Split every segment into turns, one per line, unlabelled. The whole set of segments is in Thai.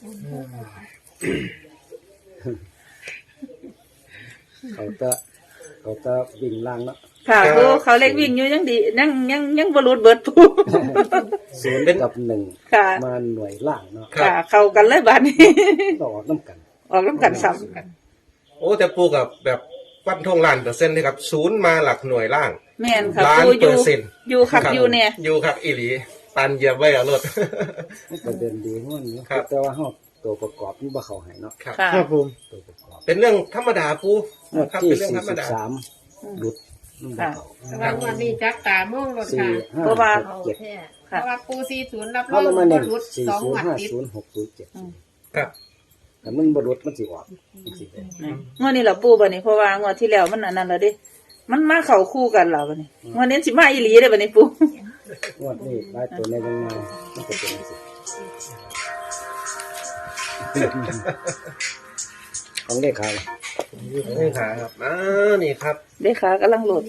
เขาจะวิ่งล่างเนาะ
ค่ะปูเขาเล็กวิ่งอยู่ยังดียังบรรลุเบิดปู
ศูนย์กับหนึ่งมาหน่วยล่างเนาะ
ค่ะเข้ากันเลยบ้านนี้
ต่อน้ำกัน
ซ้ำกัน
โอ้แต่ปูกับแบบฟันทงล้าน%เลยครับศูนย์มาหลักหน่วยล่าง
แม่นค่ะ
ปู
อยู่ขับอยู่เนี่ย
อยู่ครับอีหลีปันเหยียบไว้เอารถ
ประเด็นดีง่วนนี้แต่ว่าเขาตัวประกอบนี่บ่เขาหายเนาะ
ครับผมตัวประกอบเป็นเรื่องธรรมดาปู
ครับเป็นเรื่องธรรมดาหลุด
ค่ะวันนี้จักตาม่วงรถค่ะ
เพราะว่า
ปู40รับรองบ่หลุด2งวดติด
607ครับแต่มันบ่หลุดมันสิออก
งวดนี้ล่ะปูบัดนี้เพราะว่างวดที่แล้วมันอันนั้นแล้วดิมันมาเข้าคู่กันแล้วบัดนี้งวดนี้สิมาอีหลีเด้อบัดนี้ปู
งวดนี้หลายตัวในยังไงมันก็เป็นสิของเลขา
ครับนี่ครับ
เลขากำลังโหลด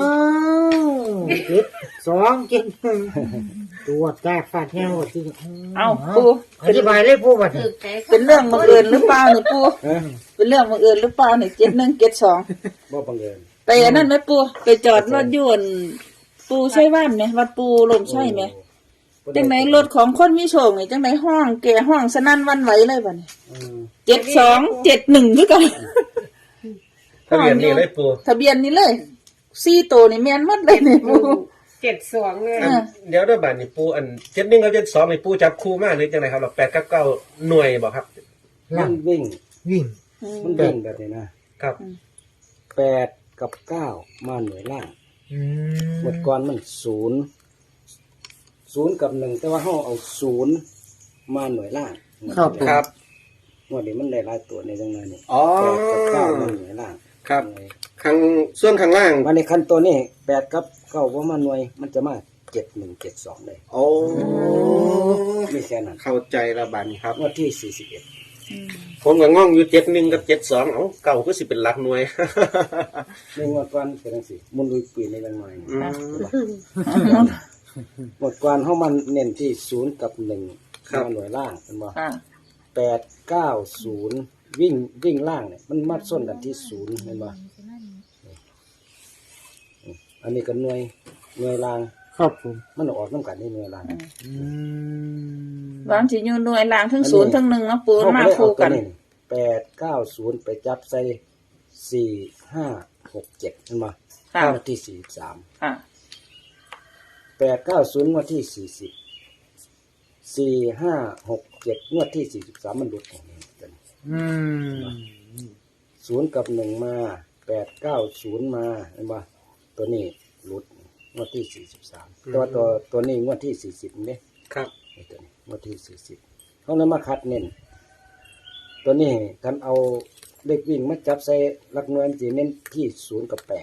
7-2-7-1ตัวแตกฟาดแห้วที่
เอาปู
อธิบายเลยปูบัดนี้
เป็นเรื่องบังเอิญหรือเปล่านี่ปูเป็นเรื่องบังเอิญหรือเปล่านี่7172
บ่บังเอิญ
ไปอันนั้นไหมปูไปจอดรถยนต์ปูใช่ว่านไหมวัดปูลมใช่ไหมจังไหนรถของคนมีโชคนี่จังไหนห้องแก่ห้องสนั่นวันไหวเลยบัดนี้7271ด้วยกัน
ทะเบียนนี่เลยปู
ทะเบียนนี่เลย4ตัวนี่แม่นหมดเลยนี่ปู
72เลย
เดี๋ยวด้วยบัดนี้ปูอัน71กับ72นี่ปูจับคู่มาหรือจังไดครับ8กับ9หน่วยบ่ครับ
มันวิ่งมันวิ่งแบบนี้นะครับ8กับ9มาหน่วยล่างหมดก่อนมัน0กับ1แต่ว่าเฮาเอา0มาหน่วยล่าง
ครับ
งวดนี้มันได้หลายตัวในจังนั้นนี่8กับ9มาหน่วยล่าง
ครับส่วนข้างล่าง
มาในขั้นตัวนี้8กับ9บ่มาหน่วยมันจะมา7172ได้
โอ้
มีแค่นั้น
เข้าใจละบัดนี้ครับ
งวดที่41
ผมก็ง่องอยู่71กับ72เอ้าเก่าก็สิเป็นหลักหน่วย
ในงวดก่อนเป็นจังซี่มุนลุยปีในจังหน่อยงวดก่อนเฮามันเน้นที่0กับ1มาหน่วยล่างเป็นบ่890วิ่งล่างเนี่ยมันมัดส้นกันที่0เห็นบ่อันนี้ก็หน่วยล่าง
ครับผม
มันออกนำกันนี่หน่วยล่าง
วางสิอยู่หน่วยล่างทั้ง0ทั้ง1เนาะปูมาคู่กัน
890ไปจับใส่4567เห็นบ่งวดที่43
ค่ะ
890งวดที่40 4567งวดที่43มันหลุดของนี้0กับ1มา890มาเห็นบ่ตัวนี้หลุดงวดที่43ตัวนี้งวดที่40นี่
ครับ
ตัวนี้งวดที่40เฮาเลยมาคัดเน้นตัวนี้คันเอาเลขวิ่งมาจับใส่หลักหน่วยสิเน้นที่0กับ8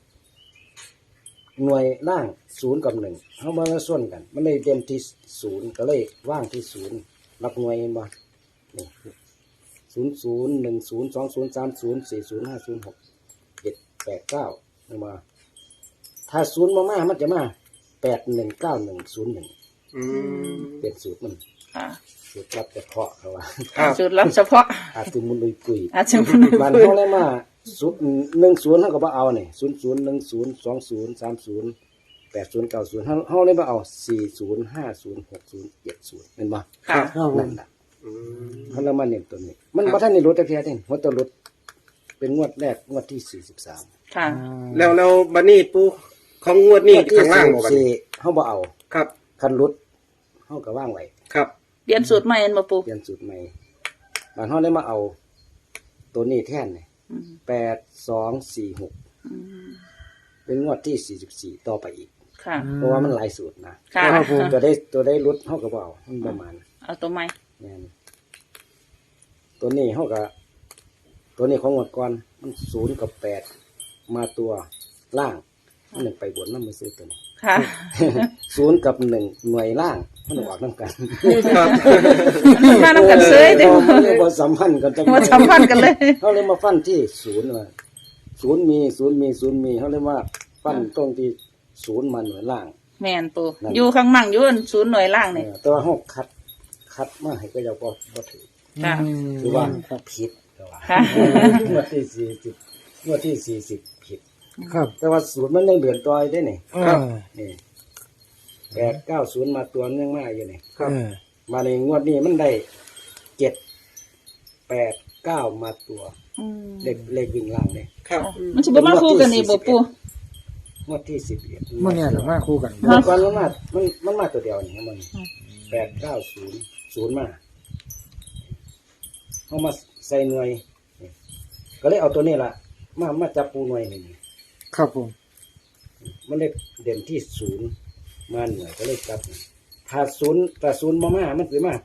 หน่วยล่าง0กับ1เฮามาส่วนกันมันเลยเด่นที่0ก็เลยว่างที่0หลักหน่วยเห็นบ่นี่00 10 20 30 40 50 6 7 8 9เห็นบ่ถ้า0มามันจะมา819101เป็นสูตรมันสูตรลับเฉพาะเขาว่า
สูตรลับเฉพาะ
อาจจะมุนลุยกุย
บ้
านเฮาเลยมาสูตร10เฮาก็บ่เอานี่00 10 20 30 80 90เฮาเลยบ่เอา40 50 60 70แม่นบ่
ครับ
นั่นล่ะเฮาเลยมาเน้นตัวนี้มันบ่ทันได้ลดแต่เพียงนี่หัวตัวลดเป็นงวดแรกงวดที่43
ค่ะ
แล้วบัดนี้ปูของงวดนี้ข้างล่างบ่บัดนี้
เฮาบ่เอา
ครับ
คันลดเฮาก็วางไว้
ครับ
เปลี่ยนสูตรใหม่บ่ปู
เปลี่ยนสูตรใหม่บ้านเฮาเลยมาเอาตัวนี้แทนนี่8246เป็นงวดที่44ต่อไปอีก
ค่ะ
เพราะว่ามันหลายสูตรนะตัวได้ลดเฮาก็บ่เอามันประมาณ
เอาตัวใหม่
แม่นตัวนี้เฮาก็ตัวนี้ของงวดก่อนมัน0กับ8มาตัวล่างมันไปบนนำมือซื้อตัวนี้
ค่ะ
0กับ1หน่วยล่างมันออกนำกัน
ครับ
มานำกันเซยเด้
บ่สัมพันธ์กันจัง
บ่สัมพันธ์กันเลย
เฮาเลยมาฟันที่0ว่า0มีเฮาเลยว่าฟันตรงที่0มาหน่วยล่าง
แม่นปูอยู่ข้างมั่งอยู่0หน่วยล่างนี่
แต่ว่าเฮาคัดมาให้ก็ยังบ่ถือ
ค่ะ
คือว่า
ครับ
ผิดก็ว่า
ค่ะ
งวดที่40งวดที่40ผิด
ครับ
แต่ว่าสูตรมันยังเดือนต่อยได้นี่
ครับ
นี่890มาตัวนึงมาอยู่นี่
ครับ
มาในงวดนี้มันได้789มาตัว
อืม
เลขวิ่งล่างนี่
ครับ
มันสิบ่มาคู่กันนี่บ่ปู
งวดที่11
เมื่อเนี่ยเรามาคู่กัน
เมื่อก่อนมันมาตัวเดียวนี่มัน890มาเอามาใส่หน่วยนี่ก็เลยเอาตัวนี้ล่ะมาจับปูหน่วยนี่
ครับผม
มันเลยเด่นที่0มาหน่วยก็เลยจับถ้า0มามันคือมา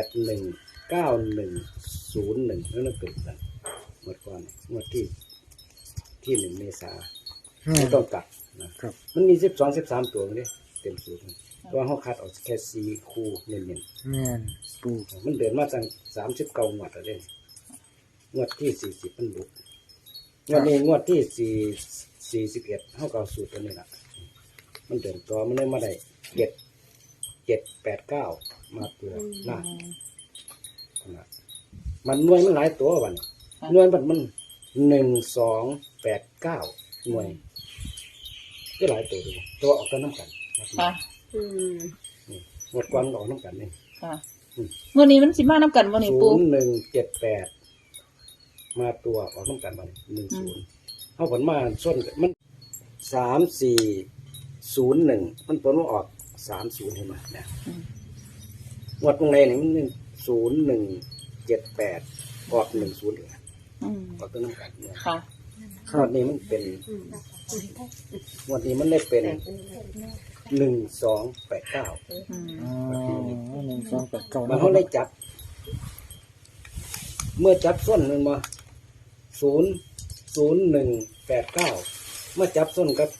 819101นั่นเกิดกันหมดก่อนงวดที่1เมษาไม่ต้องกลับนะครับ มันมี12-13ตัวเลยเต็มสูตรแต่ว่าเขาคัดออกแค่4คู่เน้น
แม่นปู
ๆมันเดินมาตั้ง39งวดแล้วเด้งวดที่40มันบุกงวดนี้งวดที่41เฮาก็เอาสูตรตัวนี้ล่ะมันเดินต่อมันเลยมาได้789มาตัวล่างนะมันหน่วยมันหลายตัวบัดนี้หน่วยมัน1289หน่วยก็หลายตัวดูตัวออกกันน้ำกัน
ค่ะ
หมดกวนออกน้ำกันนี่
ค่ะมื้อนี้มันสิมานํกันบ่นี่ปู
0178มาตัวออกน้ำกันมา10เขาผลมาส้นกันมัน3401มันผลมาออก30เห็นไหมเนี่ยหมดตรงไหนนี่มัน0178ออก10เลย
อืม
ออกตัวน้ำกันเนี่ย
ค่ะ
งวดนี้มันเป็นงวดนี้มันได้เป็น1289
อืม
อ๋อ1 2 8 9
มันเขาได้จับ เมื่อจับส้นมันมา00189เมื่อจับส้นกับ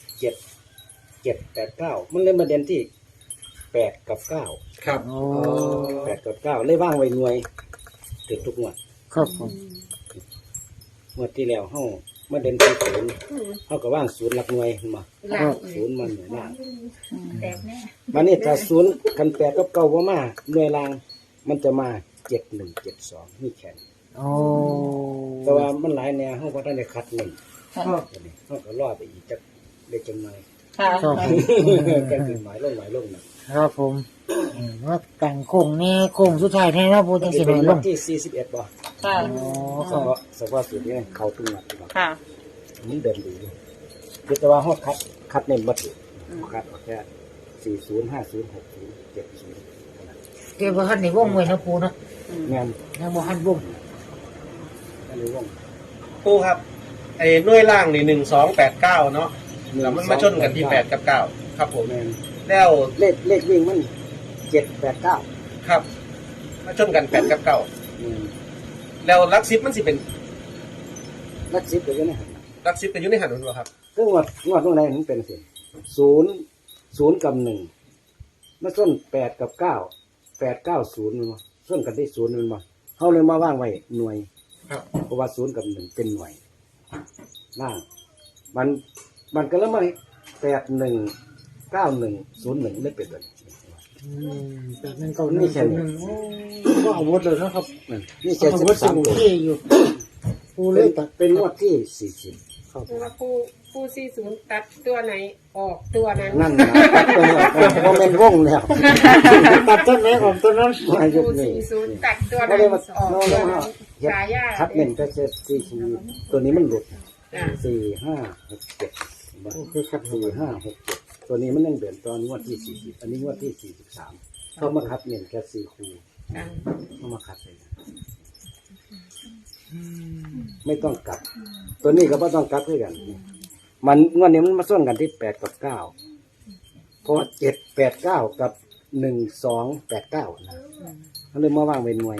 789มันเลยมาเด่นที่8กับ9
ครับ
โอ้
8กับ9เลยว่างไว้หน่วยถึงทุกงวด
ครับผม
งวดที่แล้วเฮามาเด่นที่0เฮาก็ว่าง0หลักหน่วยมา
ครับ
0มันหน่วยล่าง
แตกแน่
วันนี้ถ้า0คัน8กับ9บ่มาหน่วยล่างมันจะมา7172นี่แค่นี้
โอ้
แต่ว่ามันหลายแนวเฮาบ่ทันได้คัดหนึ่ง
ค่ะ
ตัวนี้เฮาก็รอไปอีกจักเล็กจังหน่อย
ค่ะ
ครับผม
แกถึงหมายลงนะครับ
ผมว่าแต่งโค้งนี่โค้งสุดท้ายแน่นะปูจังสิ
เป็
หน่
น
อยล
วัน
ง
ที่41บ่
ค่ะ
อ๋อค
เฉ
รับ
พาะสูตรนี้เข้าทุกนัดบ่
ค่ะ
มันเดินดีอยู่คือแต่ว่าเฮาคัดเน้นบ่ถูกคัดออกแค่40 50 60 70เท่านั้น
เดี๋ยวบ่ทันได้วงไว้นะปูเนาะ
แม่น
ยังบ่ทันวง
อันนี้วง
ปูครับไอ้หน่วยล่างนี่1289เนาะแล้วมันมาชนกันที่8กับ9ครับผม
แม่น
แล้ว
เลขวิ่งมัน789
ครับ มาชนกัน8กับ9
อืม
แล้วลักซิปมันสิเป็น
ลัก10ก็อยู่ในหัน
ลักซิปเป็นอยู่ในหันมันบ่ครับ
คืองวดตรงไหนมันเป็นสิ0กับ1มาส้น8กับ9 890มันบ่ส้นกันที่0มันบ่เฮาเลยมาว่างไว้หน่วย
ครับ
เพราะว่า0กับ1เป็นหน่วยล่างมันก็เลยมา819101ไม่เป็นเลย
แต่นั่นก็นี่แค่นึงก็อาวุธเลยนะครับ
นี่แค่
อาวุธสมุน
13ตัว
ที่อยู่ปูเลยตัด
เป็นงวดที่40
ครับ
คือว่าปู40ตัดตัวไหนออกตัวนั้น
นั่นนะเพราะเป็นวงแล้ว
ตัดต้นไม้ของต้นนั้น
มายุ
ปู
คนี้
40ตัดตัว
ก็
นั้น
เลยมา
ออก
โน่
ตัวน นั้น
เฮ็ด
ฉายา
คัดเน้นก็จะตัวนี้มันหลุด
อ่า
4 5 6 7
คือขัด
4 5 6 7ตัวนี้มันยังเดินตอนงวดที่40อันนี้งวดที่43เขามาคัดเน้นแค่4คู่
อ่า
เขามาคัดเลยไม่ต้องกลับ ตัวนี้ก็ไม่ต้องกลับด้วยกัน มันงวดนี้มันมาส่วนกันที่8กับ9เพราะ789กับ1289นะเขาเลยมาว่างเป็นหน่วย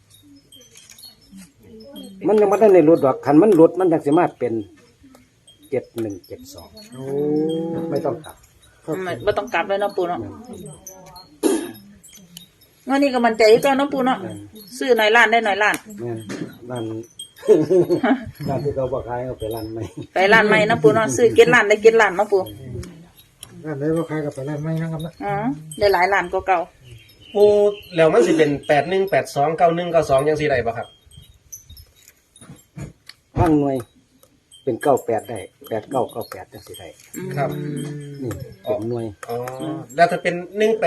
มันยังไม่ได้ในรถดอกคันมันรถมันยังสามารถเป็น7172
โอ้
ไม่ต้องกลับ
บ่ต้องกลับเลยเนาะปูเนาะวันนี้ก็มันใจก็เนาะปูเนาะซื้อหน่อยล้านได้หน่อยล้าน
แม่นร้าน ร้านที่เขาบอกขายเอาไปร้านไหม
ไปล้านใหม่เนาะปูเนาะซื้อเก็ดล้านได้เก็ดล้านเนาะปู
ร้านไหนบ่ขายกับไปร้านไม่นะครับนะ
อ๋อได้หลายล้านกว่าเก่า
ปูแล้วมันสิเป็น81829192จังซี่ได้บ่ครับ
ว่างหน่วยเป็น98ได้8998จังสิได้
ครับ
นี่เป็นหน่วย
อ๋อแล้วถ้าเป็น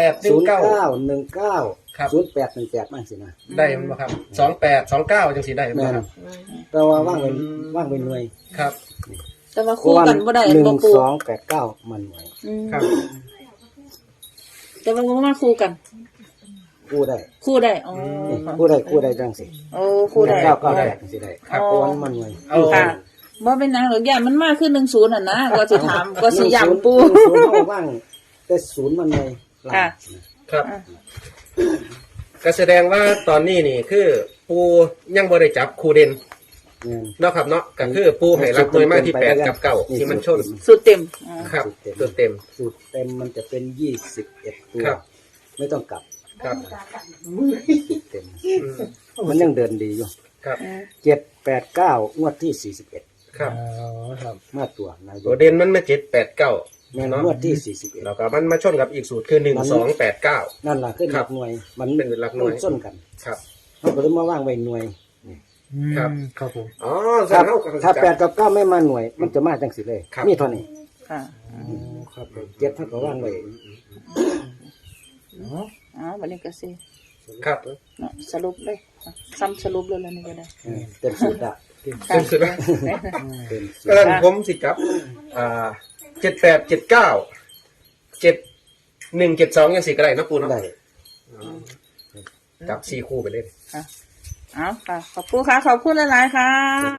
1819 ครับ
0818มั่งสินะ
ได้มันบ่ครับ2829จังซี่ได้บ่
แม่น
ครับ
แต่ว่าว่างเป็นหน่วย
ครับ
แต่ว่าคู่กันบ่ได้
หนึ่
บ่
ง
ปู
สองแปดเก้ามันหน่วย
อืม
ครับ
แต่ว่าบ่มาคู่กัน
กู้ได้
คู่ได้อ๋อ
นี่กู้ได้จังสิ
โอ้คู่ได้
998จังสิได้
ครับ
เพราะว่ามันหน่วย
เอา
ค่ะบ่เป็นหยังหรอกย่านมันมากขึ้น10น่ะนะก็สิถามก็สิย้ำปู
ศูนย์เขาว่างแต่ศูนย์มันหน่วยล่าง
ค่ะ
ครับ ก็แสดงว่าตอนนี้นี่คือปูยังบ่ได้จับคู่เด่น
แม่น
เนาะครับเนาะก็คือปูให้รับหน่วยมาที่8กับ9ที่มันชน
สุดเต็มอ๋อ
ครับตัวเต็ม
สูตรเต็มมันจะเป็น21ตัว
ครับ
ไม่ต้องกลับ
ครับ
สูตรเต็ม มันยังเดินดีอยู่
ครับ
789งวดที่41
ครับ
อ๋อครับ
มาตัวนายก
ตัวเด่นมันมา789
แม่น
เนาะ
งวดที่41
แล้วก็มันมาชนกับอีกสูตรคือ1289
นั่นล่ะขึ้นห
ครั
ลั
บ
กหน่วย มัน
เป็นหลักหน่วย
มัส้นกัน
ครับ
เขาก็เลยมาว่างไว้หน่วย
ครับ
ครับผม
อ๋อ
ถ้า
เฮาก็
ถ้า8กับ9ไม่มาหน่วย มันจะมาจังสิเลย
ครับ
มีเท่านี้
ค่ะ
ครับเจ็ดเท่ากับว่างไว้
อ๋อบัดนี้ก็สิ
ครับ
เนาะสรุปเลยซ้ำสรุปเลยแล้วนี่ก็ได้
เต็มสูตรอะ
เต็มสุดแล้ว
เต็มสูต
ก็
ร
นั้นผมสิครับ7879 7172จังซี่ก็ได้เนาะปูเนาะ
ได้
จับ4คู่ไปเลย
ค่ะเอาค่ะ ขอบคุณค่ะ ขอบคุณหลายๆค่ะ